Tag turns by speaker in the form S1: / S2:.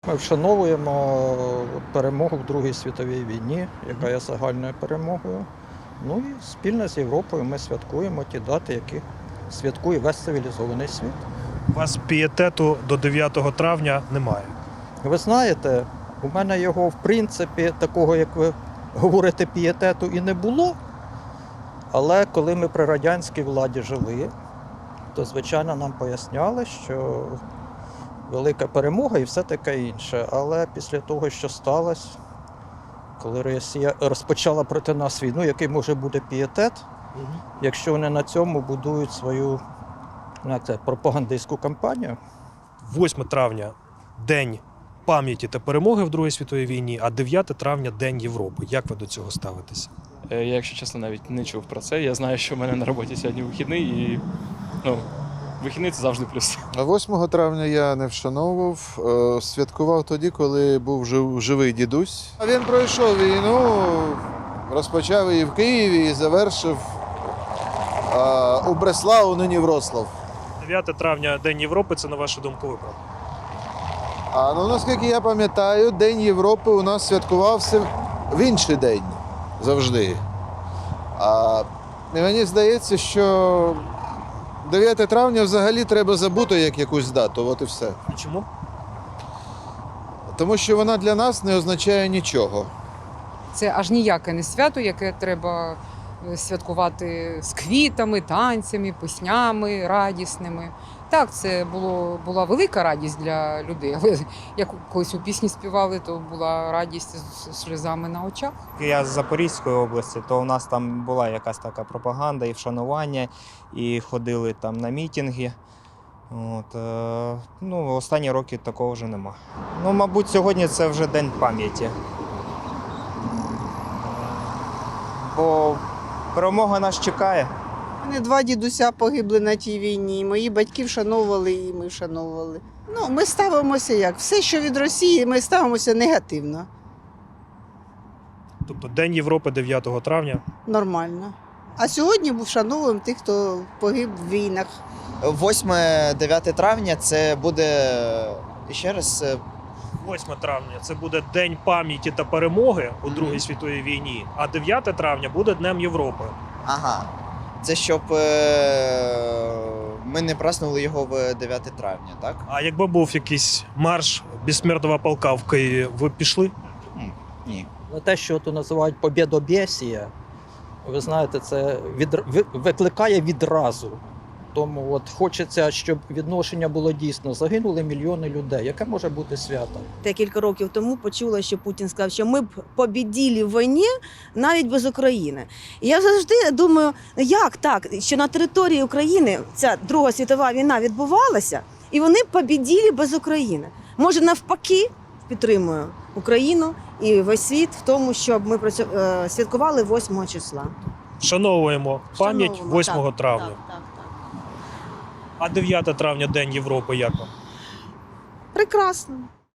S1: Ми вшановуємо перемогу в Другій світовій війні, яка є загальною перемогою. Ну і спільно з Європою ми святкуємо ті дати, які святкує весь цивілізований світ.
S2: У вас пієтету до 9 травня немає.
S1: Ви знаєте, у мене його, в принципі, такого, як ви говорите, пієтету і не було. Але коли ми при радянській владі жили, то, звичайно, нам поясняли, що велика перемога і все таке інше. Але після того, що сталося, коли Росія розпочала проти нас війну, який може бути пієтет, якщо вони на цьому будують свою пропагандистську кампанію?
S2: 8 травня – День пам'яті та перемоги в Другій світовій війні, а 9 травня – День Європи. Як ви до цього ставитеся?
S3: Я, якщо чесно, навіть не чув про це. Я знаю, що в мене на роботі сьогодні вихідний, і вихідний – це завжди плюс.
S4: 8 травня я не вшановував, святкував тоді, коли був живий дідусь. Він пройшов війну, розпочав її в Києві і завершив у Бреславу, нині Вроцлав.
S2: 9 травня – День Європи – це, на вашу думку, виправдано?
S4: Наскільки я пам'ятаю, День Європи у нас святкувався в інший день завжди. І мені здається, що 9 травня взагалі треба забути як якусь дату, от і все.
S2: А чому?
S4: Тому що вона для нас не означає нічого.
S5: Це аж ніяке не свято, яке треба святкувати з квітами, танцями, піснями радісними. Так, це була велика радість для людей, але як колись у пісні співали, то була радість з сльозами на очах.
S6: Я з Запорізької області, то у нас там була якась така пропаганда і вшанування, і ходили там на мітинги. Останні роки такого вже нема. Мабуть, сьогодні це вже День пам'яті. Бо перемога нас чекає.
S7: У мене 2 дідуся погибли на тій війні. Мої батьки вшановували і ми вшановували. Ми ставимося як? Все, що від Росії, ми ставимося негативно.
S2: Тобто День Європи 9 травня.
S7: Нормально. А сьогодні ми вшановуємо тих, хто погиб в війнах.
S8: 8-9 травня це буде, ще раз,
S2: 8 травня – це буде День пам'яті та перемоги у Другій світовій війні, а 9 травня буде Днем Європи.
S8: ага, це щоб ми не празднували його в 9 травня, так?
S2: А якби був якийсь марш безсмертного полка в Києві, ви б пішли?
S8: Ні.
S1: Але те, що тут називають побєдобєсія, ви знаєте, це викликає відразу. Тому от хочеться, щоб відношення було дійсно. Загинули мільйони людей. Яке може бути свято?
S9: Декілька років тому почула, що Путін сказав, що ми б побіділи в війні навіть без України. І я завжди думаю, як так, що на території України ця Друга світова війна відбувалася, і вони б побіділи без України. Може, навпаки, підтримую Україну і весь світ в тому, щоб ми святкували 8 числа.
S2: Вшановуємо пам'ять 8
S9: так,
S2: травня.
S9: Так.
S2: А 9 травня – День Європи, як вам?
S9: Прекрасно.